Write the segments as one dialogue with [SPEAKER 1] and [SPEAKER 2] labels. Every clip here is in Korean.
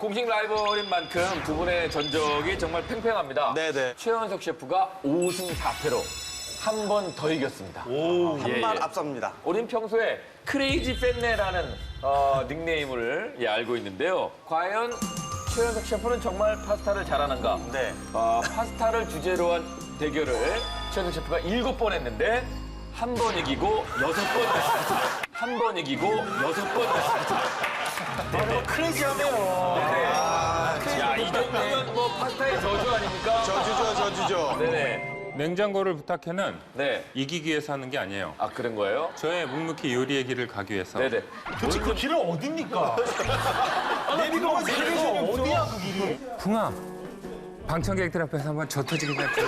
[SPEAKER 1] 공식 라이벌인 만큼 두 분의 전적이 정말 팽팽합니다.
[SPEAKER 2] 네네.
[SPEAKER 1] 최현석 셰프가 5승 4패로 한 번 더 이겼습니다.
[SPEAKER 2] 한 발
[SPEAKER 1] 예.
[SPEAKER 2] 앞섭니다.
[SPEAKER 1] 우린 평소에 크레이지 팬네라는 닉네임을 알고 있는데요. 과연 최현석 셰프는 정말 파스타를 잘하는가?
[SPEAKER 2] 네.
[SPEAKER 1] 파스타를 주제로 한 대결을 최현석 셰프가 7번 했는데 한 번 이기고 6번 했습니다. 한 번 이기고 6번 했습니다.
[SPEAKER 2] 크레이지하네요.
[SPEAKER 1] 야, 이 정도면 뭐 파스타의 저주 아닙니까?
[SPEAKER 2] 저주죠.
[SPEAKER 1] 네네.
[SPEAKER 3] 냉장고를 부탁해는
[SPEAKER 1] 네.
[SPEAKER 3] 이기기 위해서 하는 게 아니에요.
[SPEAKER 1] 아, 그런 거예요?
[SPEAKER 3] 저의 묵묵히 요리의 길을 가기 위해서.
[SPEAKER 1] 네네.
[SPEAKER 4] 도대체 그 길은 어딥니까? 내비가 어디야 그 길이?
[SPEAKER 3] 풍아, 방청객들 앞에서 한번 저 터지게 잡죠.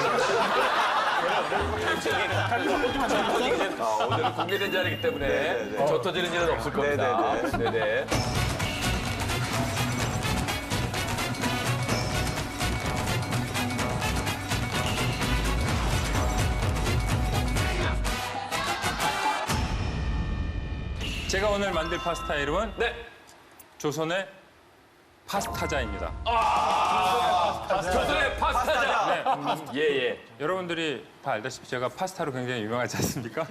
[SPEAKER 1] 오늘은 공개된 자리이기 때문에 저 터지는 일은 없을 겁니다. 네네.
[SPEAKER 3] 제가 오늘 만들 파스타 이름은
[SPEAKER 1] 네.
[SPEAKER 3] 조선의 파스타자입니다.
[SPEAKER 1] 조선의 파스타자.
[SPEAKER 3] 네,
[SPEAKER 1] 예, 예.
[SPEAKER 3] 여러분들이 다 알다시피 제가 파스타로 굉장히 유명하지 않습니까?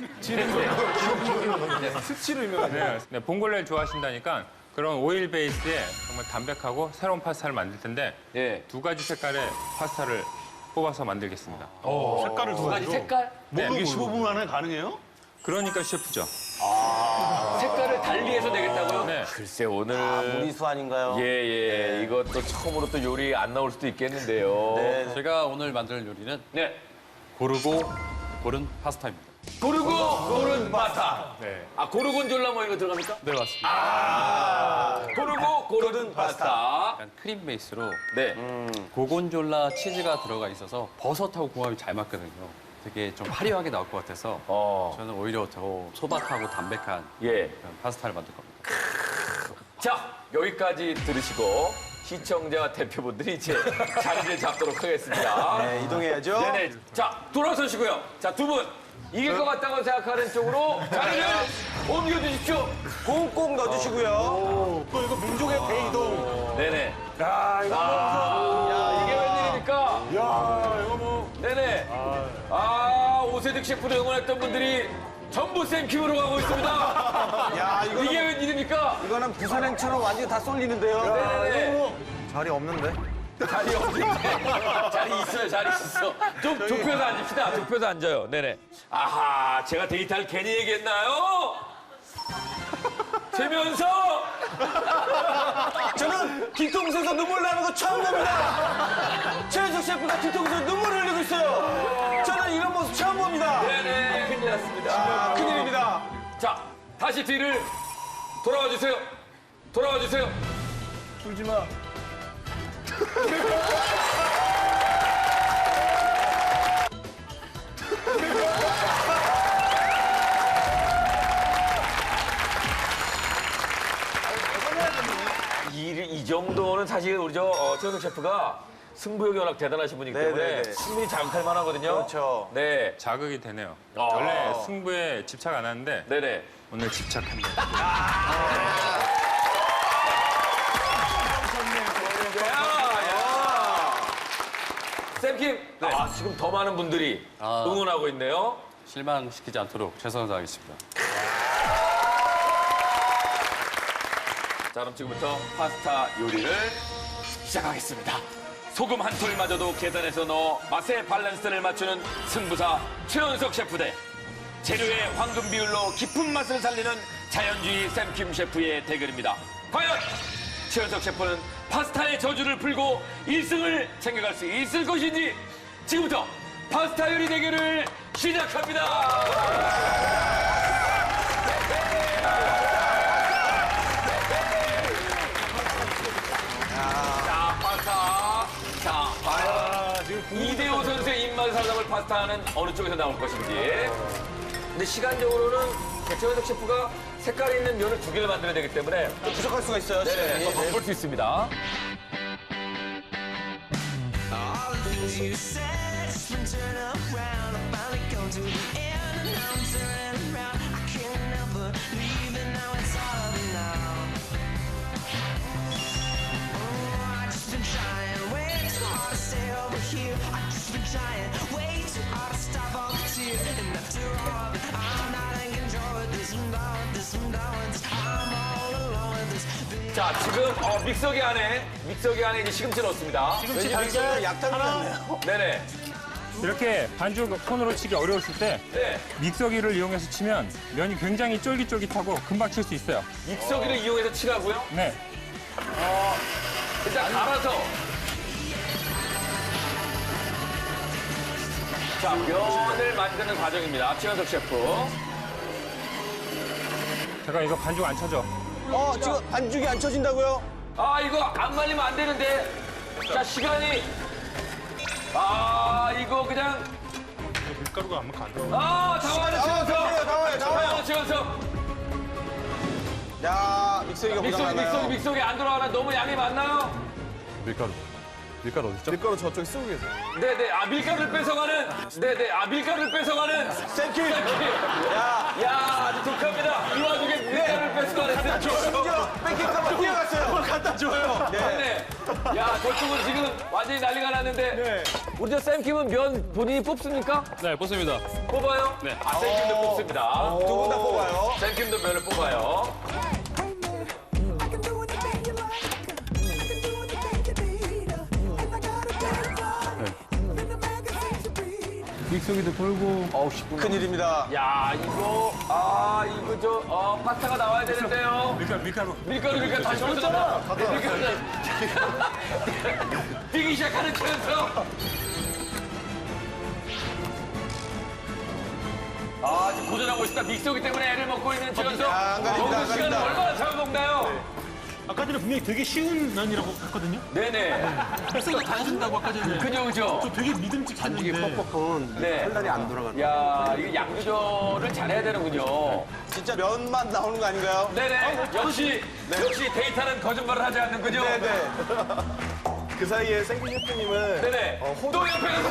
[SPEAKER 2] 수치로 유명하죠.
[SPEAKER 3] 네, 봉골레를 좋아하신다니까 그런 오일 베이스에 정말 담백하고 새로운 파스타를 만들 텐데
[SPEAKER 1] 예.
[SPEAKER 3] 두 가지 색깔의 파스타를 뽑아서 만들겠습니다.
[SPEAKER 4] 색깔을
[SPEAKER 1] 두 가지 색깔?
[SPEAKER 3] 네,
[SPEAKER 4] 이게 15분 안에 가능해요?
[SPEAKER 3] 그러니까 셰프죠.
[SPEAKER 1] 색깔을 달리해서 내겠다고요?
[SPEAKER 3] 네.
[SPEAKER 1] 글쎄, 오늘.
[SPEAKER 2] 무리수 아닌가요?
[SPEAKER 1] 예, 예. 이것도 처음으로 또 요리 안 나올 수도 있겠는데요.
[SPEAKER 2] 네.
[SPEAKER 5] 제가 오늘 만들 요리는
[SPEAKER 1] 네.
[SPEAKER 5] 고르고 고른 파스타입니다.
[SPEAKER 1] 고르고 고른 파스타.
[SPEAKER 3] 네.
[SPEAKER 1] 아, 고르곤졸라 뭐 이거 들어갑니까?
[SPEAKER 5] 네, 맞습니다.
[SPEAKER 1] 고르고 고른 파스타.
[SPEAKER 5] 약간 크림 베이스로
[SPEAKER 1] 네.
[SPEAKER 5] 고곤졸라 치즈가 들어가 있어서 버섯하고 궁합이 잘 맞거든요. 되게 좀 화려하게 나올 것 같아서 저는 오히려 더 소박하고 담백한
[SPEAKER 1] 예.
[SPEAKER 5] 그런 파스타를 만들 겁니다.
[SPEAKER 1] 자, 여기까지 들으시고 시청자 대표분들이 이제 자리를 잡도록 하겠습니다.
[SPEAKER 2] 네, 이동해야죠.
[SPEAKER 1] 네네. 자, 돌아서시고요. 자, 두 분. 이길 것 같다고 생각하는 쪽으로 자리를 옮겨주십시오.
[SPEAKER 2] 꽁꽁 넣어주시고요.
[SPEAKER 4] 또 이거 민족의 대이동.
[SPEAKER 1] 네네.
[SPEAKER 4] 야, 이거
[SPEAKER 1] 야, 이게 웬일입니까?
[SPEAKER 4] 야, 이거 뭐.
[SPEAKER 1] 네네. 오세득 셰프를 응원했던 분들이 전부 쌤킴으로 가고 있습니다.
[SPEAKER 2] 야,
[SPEAKER 1] 이게 웬일입니까?
[SPEAKER 2] 이거는 부산 행처럼 완전히 다 쏠리는데요.
[SPEAKER 1] 네네.
[SPEAKER 2] 자리 없는데?
[SPEAKER 1] 자리 없는데. 자리 있어요, 자리 있어. 좀 좁혀서 앉읍시다. 좁혀서 앉아요. 네네. 아하, 제가 데이트를 괜히 얘기했나요? 재면서
[SPEAKER 2] 저는 뒤통수에서 눈물 나는 거 처음 봅니다. 최현석 셰프가 뒤통수에서 눈물을 흘리고 있어요. 저는 이런 모습 처음 봅니다.
[SPEAKER 1] 네네, 큰일 났습니다.
[SPEAKER 2] 큰일입니다.
[SPEAKER 1] 자, 다시 뒤를 돌아와 주세요. 돌아와 주세요.
[SPEAKER 4] 울지 마.
[SPEAKER 1] 이 정도는 사실 우리 최현석 셰프가 승부욕이 워낙 대단하신 분이기 때문에
[SPEAKER 2] 네네네.
[SPEAKER 1] 충분히 자극할 만하거든요.
[SPEAKER 2] 그렇죠.
[SPEAKER 1] 네.
[SPEAKER 3] 자극이 되네요.
[SPEAKER 1] 아.
[SPEAKER 3] 원래 승부에 집착 안 하는데
[SPEAKER 1] 네네.
[SPEAKER 3] 오늘 집착합니다.
[SPEAKER 1] 쌤킴, 지금 더 많은 분들이 응원하고 있네요.
[SPEAKER 5] 실망시키지 않도록 최선을 다하겠습니다.
[SPEAKER 1] 자, 그럼 지금부터 파스타 요리를 시작하겠습니다. 소금 한 톨마저도 계산해서 넣어 맛의 밸런스를 맞추는 승부사 최현석 셰프 대 재료의 황금 비율로 깊은 맛을 살리는 자연주의 쌤킴 셰프의 대결입니다. 과연 최현석 셰프는 파스타의 저주를 풀고 1승을 챙겨갈 수 있을 것인지 지금부터 파스타 요리 대결을 시작합니다. 자, 파스타. 자, 과연 이대호 선수의 입맛 살람을 파스타는 어느 쪽에서 나올 것인지. 근데 시간적으로는 최현석 셰프가 색깔이 있는 면을 2개를 만들어야 되기 때문에
[SPEAKER 2] 부족할 수가 있어요.
[SPEAKER 1] 네, 더 바쁠 수 있습니다.
[SPEAKER 6] You said it's been turned around. I finally come to the end, and now I'm turning around. I can't help but leave, and now it's all over now.
[SPEAKER 1] 자, 지금 믹서기 안에 이제 시금치 넣었습니다.
[SPEAKER 2] 왠지 달걀 약탕 같네요.
[SPEAKER 1] 네네.
[SPEAKER 3] 이렇게 반죽 손으로 치기 어려우실 때
[SPEAKER 1] 네.
[SPEAKER 3] 믹서기를 이용해서 치면 면이 굉장히 쫄깃쫄깃하고 금방 칠 수 있어요.
[SPEAKER 1] 믹서기를 이용해서 치라고요?
[SPEAKER 3] 네.
[SPEAKER 1] 일단 갈아서. 자, 면을 만드는 과정입니다. 최현석 셰프.
[SPEAKER 3] 제가 이거 반죽 안 쳐져.
[SPEAKER 2] 지금 반죽이 안 쳐진다고요?
[SPEAKER 1] 아, 이거 안 말리면 안 되는데. 자, 시간이. 이거 그냥.
[SPEAKER 4] 밀가루가 안 들어.
[SPEAKER 1] 당황하는 최현석.
[SPEAKER 2] 나와요.
[SPEAKER 1] 최현석.
[SPEAKER 2] 야, 믹서기가 고장나나요?
[SPEAKER 1] 믹서기 안 돌아가나 너무 양이 많나요?
[SPEAKER 5] 밀가루 어디 있죠?
[SPEAKER 2] 밀가루 저쪽에 쓰고 계세요.
[SPEAKER 1] 네네. 밀가루를 뺏어가는. 네네. 밀가루를 뺏어가는.
[SPEAKER 2] 땡큐.
[SPEAKER 1] 야, 아주 독합니다. 이 와중에 밀가루를 뺏어가는 쌤킴.
[SPEAKER 2] 심지어 뺏길까봐 뛰어갔어요. 그걸 갖다 줘요.
[SPEAKER 1] 네. 야, 저쪽은 지금 완전히 난리가 났는데. 우리 저 쌤킴은 면 본인이 뽑습니까?
[SPEAKER 5] 네, 뽑습니다.
[SPEAKER 1] 뽑아요? 네. 쌤킴도 뽑습니다.
[SPEAKER 2] 두 분 다 뽑아요.
[SPEAKER 1] 쌤킴도 면을 뽑아요.
[SPEAKER 7] I can do anything you like. I can do anything you need. And I got a better body than the magazines you read.
[SPEAKER 3] 믹서기도 돌고.
[SPEAKER 2] 큰일입니다.
[SPEAKER 1] 야, 이거 파스타가 나와야 되는데요. 밀가루 다시 올렸잖아. 뛰기 시작하는 최현석. 지금 고전하고 있습니다. 믹서기 때문에 애를 먹고 있는 최현석.
[SPEAKER 2] 안 가립니다,
[SPEAKER 1] 먹는
[SPEAKER 2] 안
[SPEAKER 1] 시간을
[SPEAKER 2] 가립니다.
[SPEAKER 1] 얼마나 잡아먹나요?
[SPEAKER 4] 아까 전에 분명히 되게 쉬운 면이라고 했거든요.
[SPEAKER 1] 네네.
[SPEAKER 4] 햇살도 다 해준다고 아까 전에.
[SPEAKER 1] 그죠.
[SPEAKER 4] 저 되게 믿음직했는데.
[SPEAKER 1] 네. 혈란이 안 돌아가는. 야, 이거 양 조절을 잘해야 되는군요.
[SPEAKER 2] 진짜 면만 나오는 거 아닌가요?
[SPEAKER 1] 네네. 역시 데이터는 거짓말을 하지 않는군요.
[SPEAKER 2] 네네.
[SPEAKER 8] 그 사이에 생기 셰프님은
[SPEAKER 1] 네네. 또 옆에 가서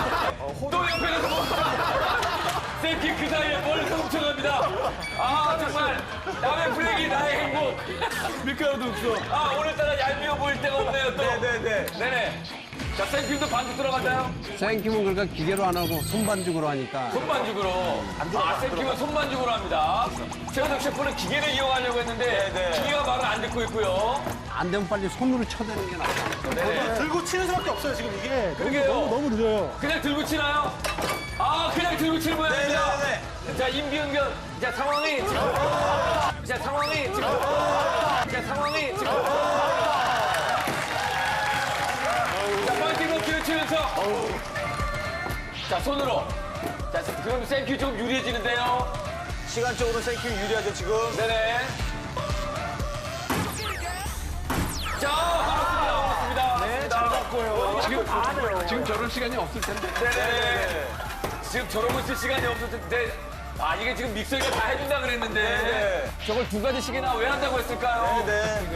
[SPEAKER 1] 멈춰. 쌤킴 그 사이에 멀리서 훔쳐갑니다. 정말 남의 브레이크 나의 행복.
[SPEAKER 2] 밀가루도 없어.
[SPEAKER 1] 오늘따라 얄미워 보일 때가 없네요 또. 네네. 자, 쌤킴도 반죽 들어갔나요?
[SPEAKER 9] 생김은 그러니까 기계로 안 하고 손반죽으로 하니까
[SPEAKER 1] 손반죽으로. 쌤킴은 손반죽으로 합니다. 최현석 셰프는 기계를 이용하려고 했는데 기계가 말을 안 듣고 있고요.
[SPEAKER 9] 안 되면 빨리 손으로 쳐대는 게 낫다.
[SPEAKER 4] 들고 치는 수밖에 없어요, 지금 이게.
[SPEAKER 1] 그러게요.
[SPEAKER 4] 너무 늦어요.
[SPEAKER 1] 그냥 들고 치나요? 그냥 들고 치는 모양입니다.
[SPEAKER 2] 네네네.
[SPEAKER 1] 자, 임기응변. 자, 상황이 지금. 자, 파이팅 넘치는 최현석. 자, 손으로. 자, 그럼 쌤큐 좀 유리해지는데요.
[SPEAKER 2] 시간적으로 생큐 유리하죠, 지금.
[SPEAKER 1] 네네. 자, 반갑습니다.
[SPEAKER 2] 네, 잘 잡고요.
[SPEAKER 9] 지금 저럴 시간이 없을 텐데.
[SPEAKER 1] 네네. 지금 저러고 있을 시간이 없을 텐데. 이게 지금 믹서기가 다 해준다 그랬는데.
[SPEAKER 2] 네.
[SPEAKER 1] 저걸 두 가지씩이나 왜 한다고 했을까요?
[SPEAKER 2] 네.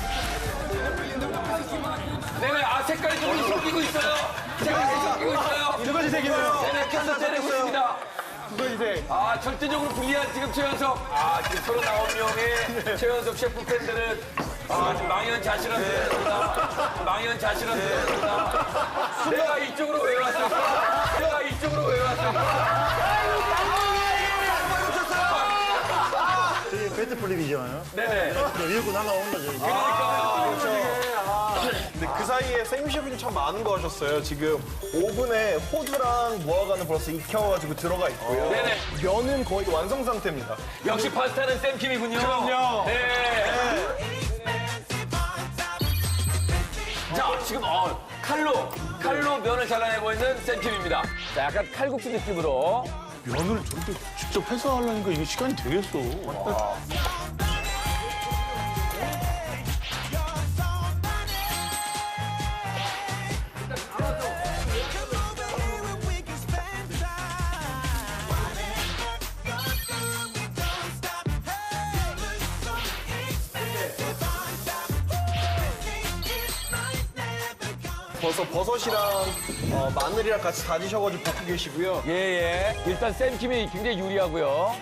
[SPEAKER 1] 네네. 색깔이 좀 섞이고 있어요. 색깔이 섞이고 있어요.
[SPEAKER 2] 두 가지 색이네요.
[SPEAKER 1] 네네. 캔서 때리고 있습니다.
[SPEAKER 2] 두 가지 색.
[SPEAKER 1] 절대적으로 불리한 지금 최현석. 지금 39명의 최현석 셰프 팬들은 지금 망연자실합니다. 망연자실합니다. 내가 이쪽으로 왜 왔을까?
[SPEAKER 8] 배트 플립이잖아요.
[SPEAKER 1] 네네.
[SPEAKER 8] 밀고 날아오는 거죠. 이게. 근데 그 사이에 생기 셰프님 참 많은 거 하셨어요. 지금 오븐에 호두랑 무화과는 벌써 익혀가지고 들어가 있고요.
[SPEAKER 1] 네네.
[SPEAKER 8] 면은 거의 완성 상태입니다.
[SPEAKER 1] 역시 파스타는 쌤킴이군요.
[SPEAKER 2] 그럼요.
[SPEAKER 1] 네. 자, 지금 칼로 면을 잘라내고 있는 쌤킴입니다. 자, 약간 칼국수 느낌으로.
[SPEAKER 4] 면을 저렇게 직접 해서 하려니까 이게 시간이 되겠어.
[SPEAKER 8] 버섯이랑 마늘이랑 같이 다지셔가지고 볶고 계시고요.
[SPEAKER 1] 예. 일단 쌤킴이 굉장히 유리하고요.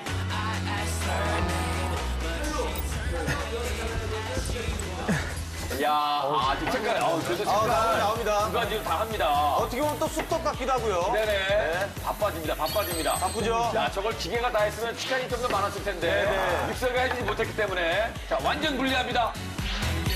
[SPEAKER 1] 야, 지금 색깔, 그래도 색깔.
[SPEAKER 2] 나옵니다.
[SPEAKER 1] 두 가지로 다 합니다.
[SPEAKER 2] 어떻게 보면 또 쑥떡 같기도 하고요.
[SPEAKER 1] 네네. 바빠집니다.
[SPEAKER 2] 바쁘죠?
[SPEAKER 1] 자, 저걸 기계가 다 했으면 시간이 좀 더 많았을 텐데. 믹서기가 해주지 못했기 때문에. 자, 완전 불리합니다.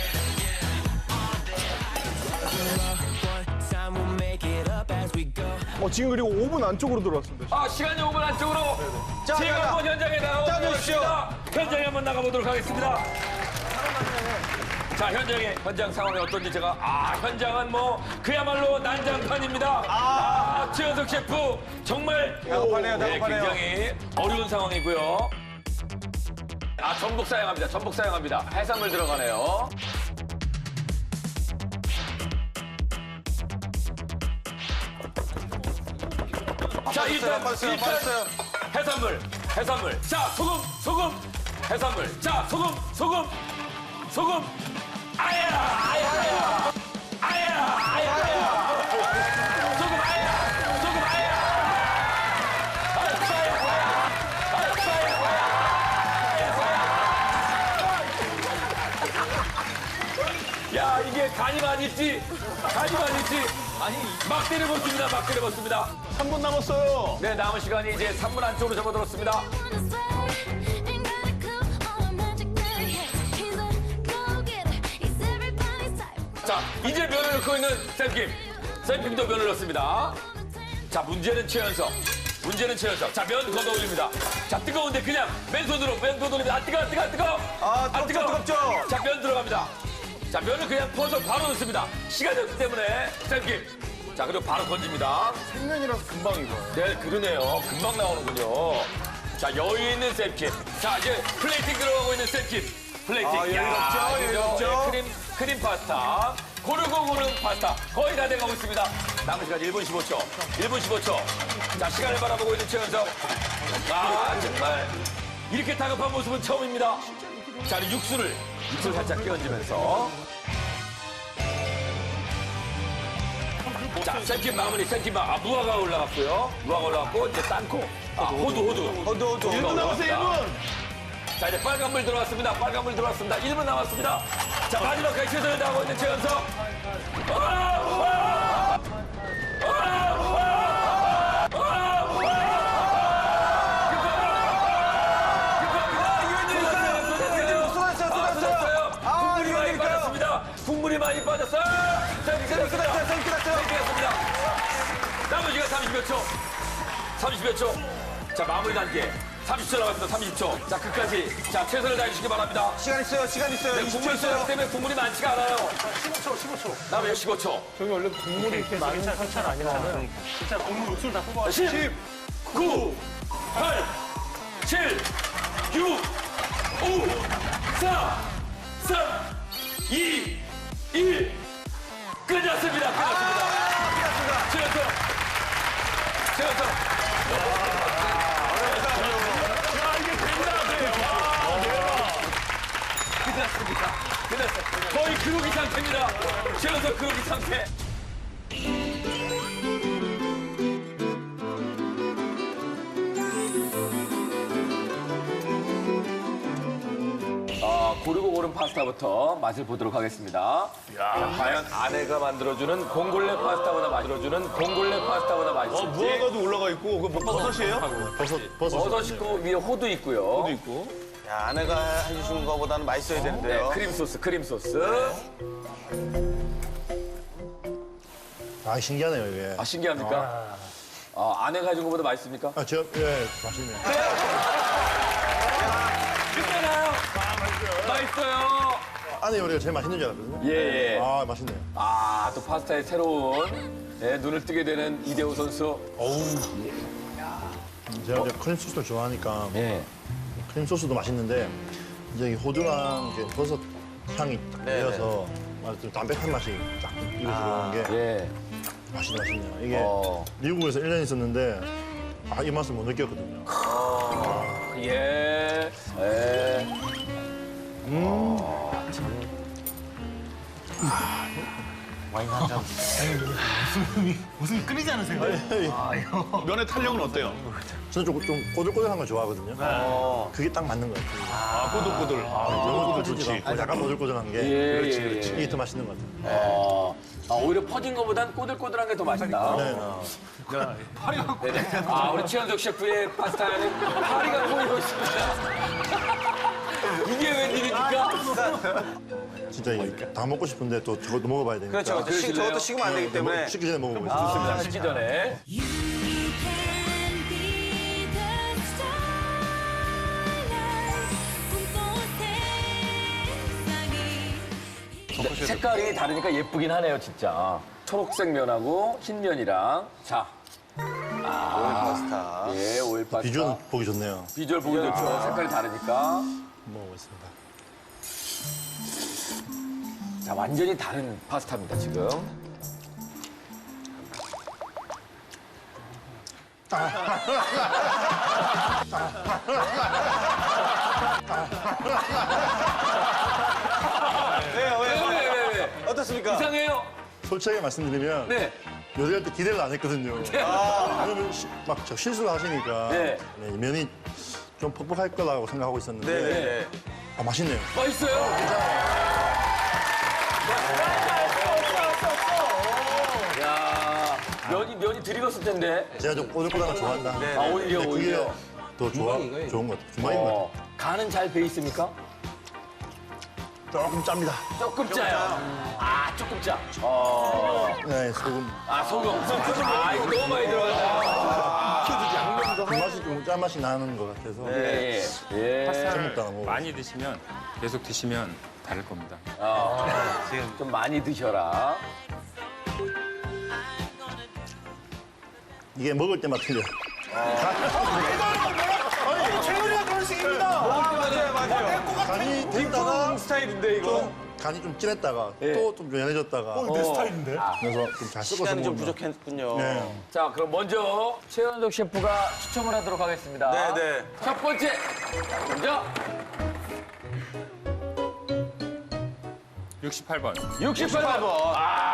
[SPEAKER 8] 지금 그리고 5분 안쪽으로 들어왔습니다.
[SPEAKER 1] 아, 시간이 5분 안쪽으로
[SPEAKER 2] 자,
[SPEAKER 1] 제가
[SPEAKER 2] 자,
[SPEAKER 1] 한번 현장에
[SPEAKER 2] 짜주십시오.
[SPEAKER 1] 나가보겠습니다. 현장에 한번 나가보도록 하겠습니다. 자, 현장 상황이 어떤지 현장은 뭐 그야말로 난장판입니다. 최현석 셰프 정말
[SPEAKER 2] 다급하네요, 다급하네요.
[SPEAKER 1] 굉장히 어려운 상황이고요. 전복 사용합니다. 해산물 들어가네요. 자, 일단 해산물. 자, 소금. 해산물. 자, 소금. 아야. 소금 아야. 야, 이게 간이 많이 있지. 막 때려봤습니다.
[SPEAKER 8] 3분 남았어요.
[SPEAKER 1] 네, 남은 시간이 이제 3분 안쪽으로 접어들었습니다. 자, 이제 면을 넣고 있는 쌤킴. 쌤킴도 면을 넣습니다. 자, 문제는 최연석. 자, 면 걷어 올립니다. 자, 뜨거운데 그냥 맨손으로 올립니다. 뜨거워.
[SPEAKER 2] 뜨겁죠?
[SPEAKER 1] 자, 면 들어갑니다. 자, 면을 그냥 퍼서 바로 넣습니다. 시간이 없기 때문에 쌤킴. 자, 그리고 바로 건집니다.
[SPEAKER 8] 생면이라서 금방 익어요.
[SPEAKER 1] 네, 그러네요. 금방 나오는군요. 자, 여유 있는 쌤킴. 자, 이제 플레이팅 들어가고 있는 쌤킴. 플레이팅.
[SPEAKER 2] 여유 없죠?
[SPEAKER 1] 네, 크림 파스타. 고르고 고른 파스타. 거의 다 돼가고 있습니다. 남은 시간 1분 15초. 자, 시간을 바라보고 있는 최현석. 정말 이렇게 다급한 모습은 처음입니다. 자, 육수를 살짝 끼얹으면서. 자, 쌤킴 마무리. 무화가 올라갔고, 이제 땅콩. 호두.
[SPEAKER 8] 1분 남았어요, 1분.
[SPEAKER 1] 자, 이제 빨간 물 들어왔습니다. 1분 남았습니다. 자, 마지막까지 최선을 다하고 있는 최연석. 국물이 많이 빠졌어요. 자, 끝났습니다. 남은 시간 30여 초. 자, 마무리 단계. 30초 남았습니다. 30초. 자, 끝까지. 자, 최선을 다해주시기 바랍니다.
[SPEAKER 2] 시간 있어요.
[SPEAKER 1] 네, 국물 쏘기 때문에 국물이 많지가 않아요. 15초. 남은 15초.
[SPEAKER 4] 저기 원래 국물이 이렇게 많은 상찬 아니잖아요. 진짜 국물 육수를 다 뽑아.
[SPEAKER 1] 10, 9, 8, 7, 6, 5, 4, 3, 2, 1. 끝났습니다. 최연석. 끝났어요. 거의 그로기 상태입니다. 최연석 그로기 상태. 고르고 고른 파스타부터 맛을 보도록 하겠습니다. 자, 과연 아내가 만들어주는 봉골레 파스타보다 맛있을지.
[SPEAKER 8] 무화과도 올라가 있고, 그거 뭐 버섯이에요?
[SPEAKER 1] 버섯 있고 위에 호두 있고요.
[SPEAKER 2] 야, 아내가 해주신 거보다는 맛있어야 되는데요.
[SPEAKER 1] 네, 크림 소스.
[SPEAKER 10] 신기하네요, 이게.
[SPEAKER 1] 신기합니까? 아내가 해준 것보다 맛있습니까?
[SPEAKER 10] 맛있네요.
[SPEAKER 1] 끝내나요? 맛있어요.
[SPEAKER 10] 아내 요리가 제일 맛있는 줄 알았거든요.
[SPEAKER 1] 예.
[SPEAKER 10] 맛있네요.
[SPEAKER 1] 또 파스타의 새로운 눈을 뜨게 되는 이대호 선수.
[SPEAKER 10] 제가 이제 크림 소스를 좋아하니까
[SPEAKER 1] 예.
[SPEAKER 10] 크림 소스도 맛있는데 이제 이 호두랑 이렇게 버섯 향이 딱 내려서 좀 담백한 맛이 딱 입에 들어오는 게
[SPEAKER 1] 예.
[SPEAKER 10] 맛있네요. 이게 미국에서 1년 있었는데 이 맛을 못 느꼈거든요.
[SPEAKER 1] 예.
[SPEAKER 4] 무슨 끓이지 않으세요?
[SPEAKER 8] 면의 탄력은 어때요?
[SPEAKER 10] 저는 좀 꼬들꼬들한 걸 좋아하거든요. 그게 딱 맞는 것 같아요.
[SPEAKER 8] 꼬들꼬들.
[SPEAKER 10] 너무 꼬들꼬들하지 않고 약간 꼬들꼬들한 게
[SPEAKER 1] 그렇지.
[SPEAKER 10] 이게 더 맛있는 것 같아요.
[SPEAKER 1] 오히려 퍼진 것보단 꼬들꼬들한 게 더 맛있다. 네네. 우리 최현석 셰프의 파스타에는 파리가 보이고 있습니다. 이게 웬일입니까?
[SPEAKER 10] 진짜 이게 다 먹고 싶은데 또 저것도 먹어봐야 되니까.
[SPEAKER 2] 그렇죠. 저것도 식으면 안 되기 때문에.
[SPEAKER 10] 식기 전에 먹어보겠습니다.
[SPEAKER 1] 좋습니다. 식기 전에.
[SPEAKER 7] You can be the starlight. 꿈꿔 세상이.
[SPEAKER 1] 색깔이 다르니까 예쁘긴 하네요, 진짜. 초록색 면하고 흰 면이랑. 자.
[SPEAKER 2] 오일 파스타.
[SPEAKER 1] 예, 오일 파스타.
[SPEAKER 10] 비주얼 보기 좋네요.
[SPEAKER 1] 비주얼 보기 좋죠. 색깔이 다르니까.
[SPEAKER 10] 먹어보겠습니다.
[SPEAKER 1] 자, 완전히 다른 파스타입니다, 지금.
[SPEAKER 2] 왜요?
[SPEAKER 1] 왜?
[SPEAKER 2] 어떻습니까?
[SPEAKER 1] 이상해요?
[SPEAKER 10] 솔직하게 말씀드리면
[SPEAKER 1] 네.
[SPEAKER 10] 요리할 때 기대를 안 했거든요. 왜냐면 막 실수를 하시니까
[SPEAKER 1] 네.
[SPEAKER 10] 네, 이 면이 좀 퍽퍽할 거라고 생각하고 있었는데
[SPEAKER 2] 네네네.
[SPEAKER 10] 맛있네요.
[SPEAKER 1] 맛있어요? 야, 면이 덜 익었을 텐데.
[SPEAKER 10] 제가 좀 오늘보다는 좋아한다.
[SPEAKER 1] 아, 오히려,
[SPEAKER 10] 근데 그게
[SPEAKER 1] 오히려.
[SPEAKER 10] 더 좋은 것 같아요. 주말인 것 같아요.
[SPEAKER 1] 간은 잘 배 있습니까?
[SPEAKER 10] 조금 짭니다.
[SPEAKER 1] 조금 짜요. 아, 조금 짜.
[SPEAKER 10] 네, 소금.
[SPEAKER 1] 아, 소금. 아, 이거 너무 많이 들어가요.
[SPEAKER 10] 그 맛이 좀 짠맛이 나는 것 같아서.
[SPEAKER 1] 예, 예.
[SPEAKER 10] 처음
[SPEAKER 3] 파스타를
[SPEAKER 10] 먹다가
[SPEAKER 3] 많이 드시면 계속 드시면 다를 겁니다.
[SPEAKER 1] 좀 많이 드셔라.
[SPEAKER 10] 이게 먹을 때마다 틀려요.
[SPEAKER 2] 아니, 최근이가 그런 식입니다. 맞아요.
[SPEAKER 10] 간이 됐다가
[SPEAKER 2] 스타일인데, 이거.
[SPEAKER 10] 좀 간이 좀 진했다가 또 좀 연해졌다가
[SPEAKER 4] 내 스타일인데?
[SPEAKER 10] 그래서 좀 잘 섞어서
[SPEAKER 2] 시간이 좀
[SPEAKER 10] 먹으면.
[SPEAKER 2] 부족했군요.
[SPEAKER 10] 네.
[SPEAKER 1] 자, 그럼 먼저 최현석 셰프가 추첨을 하도록 하겠습니다.
[SPEAKER 2] 네네.
[SPEAKER 1] 첫 번째. 자, 먼저
[SPEAKER 3] 68번.
[SPEAKER 1] 68번.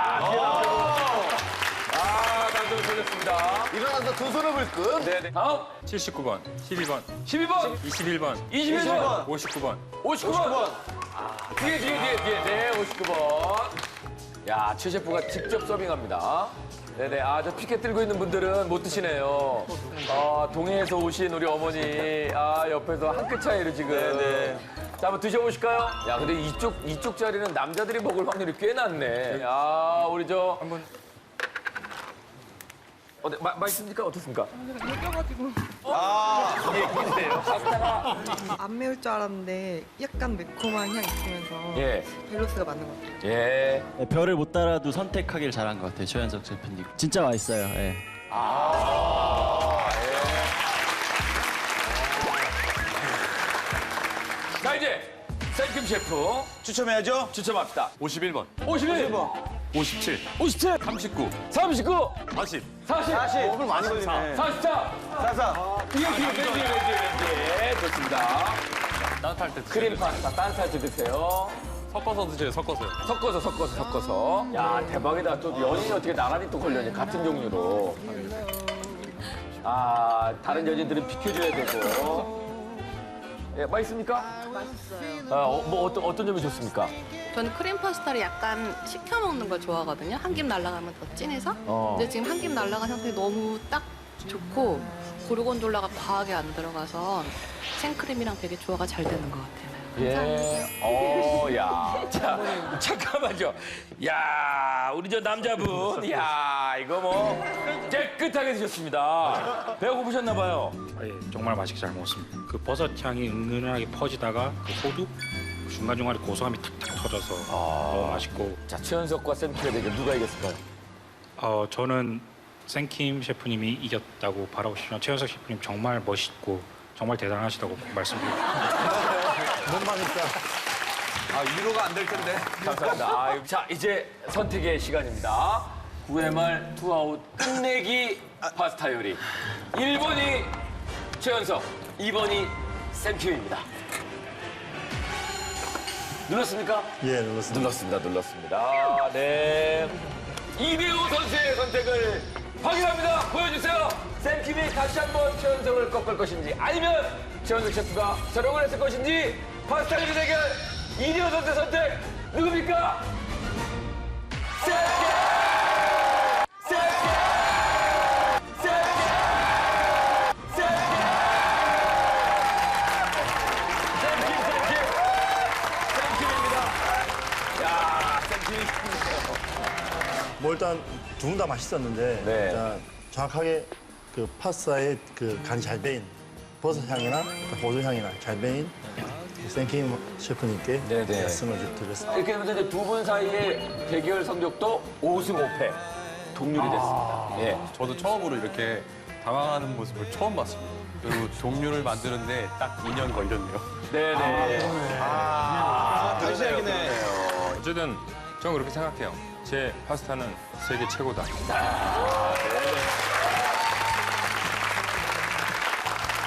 [SPEAKER 1] 당첨 걸렸습니다.
[SPEAKER 2] 일어나서 두 손을 불끈.
[SPEAKER 1] 네네. 다음
[SPEAKER 3] 79번, 12번,
[SPEAKER 1] 12번,
[SPEAKER 3] 21번,
[SPEAKER 1] 21번,
[SPEAKER 3] 59번.
[SPEAKER 1] 59번. 뒤에. 네, 59번. 야, 최 셰프가 직접 서빙합니다. 네네. 아, 저 피켓 들고 있는 분들은 못 드시네요. 동해에서 오신 우리 어머니. 아, 옆에서 한 끗 차이로 지금.
[SPEAKER 2] 네네.
[SPEAKER 1] 자, 한번 드셔보실까요? 야, 근데 이쪽 자리는 남자들이 먹을 확률이 꽤 낮네. 야, 우리 저.
[SPEAKER 3] 한번
[SPEAKER 1] 네, 맛있습니까? 어떻습니까?
[SPEAKER 11] 안 매울 줄 알았는데 약간 매콤한 향이 있으면서
[SPEAKER 1] 예.
[SPEAKER 11] 밸런스가 맞는 것 같아요.
[SPEAKER 1] 예.
[SPEAKER 5] 별을 못 따라도 선택하길 잘한 것 같아요, 최현석 셰프님. 진짜 맛있어요. 예.
[SPEAKER 1] 자, 이제 샘킴 셰프
[SPEAKER 2] 추첨해야죠.
[SPEAKER 1] 추첨합시다.
[SPEAKER 3] 51번,
[SPEAKER 1] 51번,
[SPEAKER 3] 57,
[SPEAKER 1] 57,
[SPEAKER 3] 39,
[SPEAKER 1] 39,
[SPEAKER 3] 40.
[SPEAKER 1] 40,
[SPEAKER 2] 40. 많이 걸리네.
[SPEAKER 1] 44.
[SPEAKER 2] 44.
[SPEAKER 1] 이게 왠지. 좋습니다.
[SPEAKER 3] 따뜻할 때
[SPEAKER 1] 크림 파스타 따뜻할 때 드세요.
[SPEAKER 3] 섞어서 드세요, 섞어서요.
[SPEAKER 1] 섞어서. 야, 대박이다. 또 연인이 어떻게 나란히 또 걸려니 같은 종류로. 아, 다른 연인들은 비켜줘야 되고. 예, 맛있습니까?
[SPEAKER 12] 맛있어요.
[SPEAKER 1] 뭐 어떤 점이 좋습니까?
[SPEAKER 12] 저는 크림 파스타를 약간 식혀 먹는 걸 좋아하거든요. 한 김 날아가면 더 진해서. 근데 지금 한 김 날아간 상태 너무 딱 좋고 고르곤졸라가 과하게 안 들어가서 생크림이랑 되게 조화가 잘 되는 것 같아요.
[SPEAKER 1] 예. 야. 자, 잠깐만요. 야, 우리 저 남자분. 야, 이거 뭐 깨끗하게 드셨습니다. 배가 고프셨나 봐요.
[SPEAKER 13] 예, 정말 맛있게 잘 먹었습니다. 그 버섯 향이 은은하게 퍼지다가 그 호두 중간중간에 고소함이 탁탁 터져서 너무 맛있고.
[SPEAKER 1] 자, 최현석과 샘킴의 대결 누가 이겼을까요?
[SPEAKER 13] 저는 생킴 셰프님이 이겼다고 바라고 싶지만 최현석 셰프님 정말 멋있고 정말 대단하시다고 말씀드립니다.
[SPEAKER 2] 위로가 안 될 텐데.
[SPEAKER 1] 감사합니다. 자, 이제 선택의 시간입니다. 9회 말 투아웃 끝내기 파스타 요리. 1번이 최현석, 2번이 샘킴입니다. 눌렀습니까?
[SPEAKER 10] 예, 눌렀습니다.
[SPEAKER 1] 눌렀습니다. 네. 이대호 선수의 선택을 확인합니다. 보여주세요. 샘킴이 다시 한번 최현석을 꺾을 것인지 아니면 최현석 셰프가 저력을 했을 것인지 파스타 요리 대결 이대호 선수의 선택 누굽니까? 샘킴! 샘킴입니다.
[SPEAKER 10] 뭐 일단 두 분 다 맛있었는데
[SPEAKER 1] 네.
[SPEAKER 10] 일단 정확하게 그 파스타의 그 간이 잘 배인 버섯 향이나 호두 향이나 잘 배인 생킴 셰프님께
[SPEAKER 1] 네네.
[SPEAKER 10] 말씀을 좀 드렸습니다.
[SPEAKER 1] 이렇게 되면서 이제 두 분 사이의 대결 성적도 5승 5패 동률이 됐습니다. 예.
[SPEAKER 5] 저도 처음으로 이렇게 당황하는 모습을 처음 봤습니다. 그리고 종류를 만드는데 딱 2년 걸렸네요.
[SPEAKER 1] 네네.
[SPEAKER 8] 다시 얘기네.
[SPEAKER 3] 어쨌든 저는 그렇게 생각해요. 제 파스타는 세계 최고다.
[SPEAKER 1] 아,